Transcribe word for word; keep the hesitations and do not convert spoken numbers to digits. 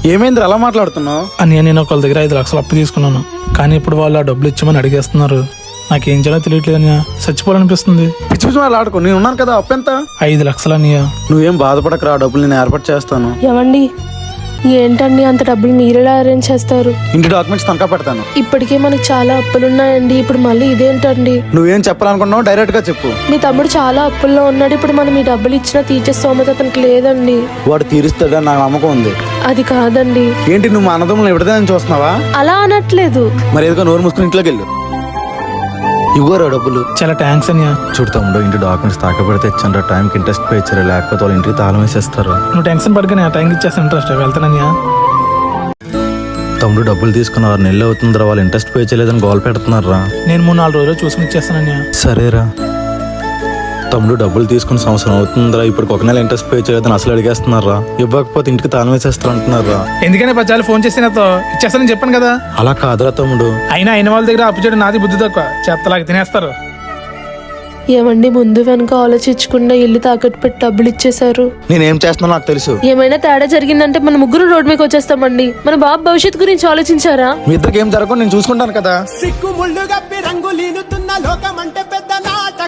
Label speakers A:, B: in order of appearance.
A: ఏమైంది అలా మాట్లాడుతున్నావు?
B: అని నేను ఒకళ్ళ దగ్గర ఐదు లక్షలు అప్పు తీసుకున్నాను, కానీ ఇప్పుడు వాళ్ళు ఆ డబ్బులు ఇచ్చామని అడిగేస్తున్నారు. నాకేం చేయాలో తెలియట్లేదు అన్నయ్య, చచ్చిపోవాలనిపిస్తుంది.
A: పిచ్చి పిచ్చి వాళ్ళు ఆడుకో, నేను ఉన్నాను కదా. అప్పు ఎంత?
B: ఐదు లక్షలు అన్నయ్య.
A: నువ్వేం బాధపడకరా, డబ్బులు నేను ఏర్పాటు చేస్తాను.
C: ఏమండి, ఏంటండి అంత డబ్బులు మీరెలా అరేంజ్ చేస్తారు?
A: ఇంటి డాక్యుమెంట్స్ తనఖా పెడతాను.
C: ఇప్పటికే మనకు చాలా అప్పులున్నాయండి, ఇప్పుడు మళ్ళీ ఇదేంటండి?
A: నువ్వేం చెప్పాలనుకున్నావు డైరెక్ట్ గా చెప్పు.
C: మీ తమ్ముడు చాలా అప్పుల్లో ఉన్నాడు, ఇప్పుడు మనం ఈ డబ్బులు ఇచ్చినా తీర్చే స్తోమత అతనికి లేదండి.
A: వాడు తీరుస్తాడని నాకు నమ్మకం ఉంది.
C: అది కాదండి.
A: ఏంటి నువ్వు మా అన్నదమ్ములు విడదని చూస్తున్నావా?
C: అలా అనట్లేదు.
A: మరి ఏదో నోరు మూసుకుని ఇంట్లోకి వెళ్ళు. ఇవ్వరా డబ్బులు?
B: చాలా థ్యాంక్స్ అన్నయ్య.
A: చూడు తమ్ముడు, ఇంటి డాక్యుమెంట్స్ తాక పెడితే ఇచ్చాను, టైంకి ఇంట్రెస్ట్ పే ఇచ్చారు, లేకపోతే వాళ్ళ ఇంటికి తాళం వేసేస్తారు.
B: నువ్వు టెన్షన్ పడుకుని ఆ టైంకి ఇచ్చేస్తాను, ఇంట్రెస్ట్ వెళ్తానయ్యా.
A: తమ్ముడు డబ్బులు తీసుకున్న ఆరు నెలలు అవుతుందిరా, వాళ్ళు ఇంట్రెస్ట్ పే చేయలేదని గోల్ పెడుతున్నారా.
B: నేను మూడు నాలుగు రోజులు చూసుకుని ఇచ్చేస్తానయ్యా.
A: సరేరా తమ్ముడు, డబ్బులు తీసుకుని సంవత్సరం అవుతుందిరా, ఇప్పుడు ఒక నెల ఇంట్రెస్ట్ పే చేయలేదని అసలు అడిగేస్తున్నారా. ఇవ్వకపోతే ఇంటికి తాళం వేసేస్తారు అంటున్నారా.
B: ఎందుకని పచ్చాలు ఫోన్ చేసి నాతో ఇచ్చేస్తానని చెప్పాను కదా.
A: అలా కాదురా తమ్ముడు.
B: అయినా అయిన వాళ్ళ దగ్గర అప్పు చేయడం నాది బుద్ధి తక్కువ, చెత్తలాగా తినేస్తారు.
C: ఏమండి, ముందు వెనక ఆలోచించకుండా ఇల్లు తాకట్టు పెట్టి డబ్బులు ఇచ్చేశారు.
A: నేనేం చేస్తున్నానో నాకు తెలుసు.
C: ఏమైనా తేడా జరిగిందంటే మన ముగ్గురు రోడ్ మీదకి వచ్చేస్తామండి. మన బాబు భవిష్యత్తు గురించి ఆలోచించారా?
A: మీ ఇద్దరికి ఏం జరగకుండా నేను చూసుకుంటాను కదా.
D: సిక్కు ముళ్ళు గప్పి రంగులీనుతున్న లోకమంటే పెద్ద నాట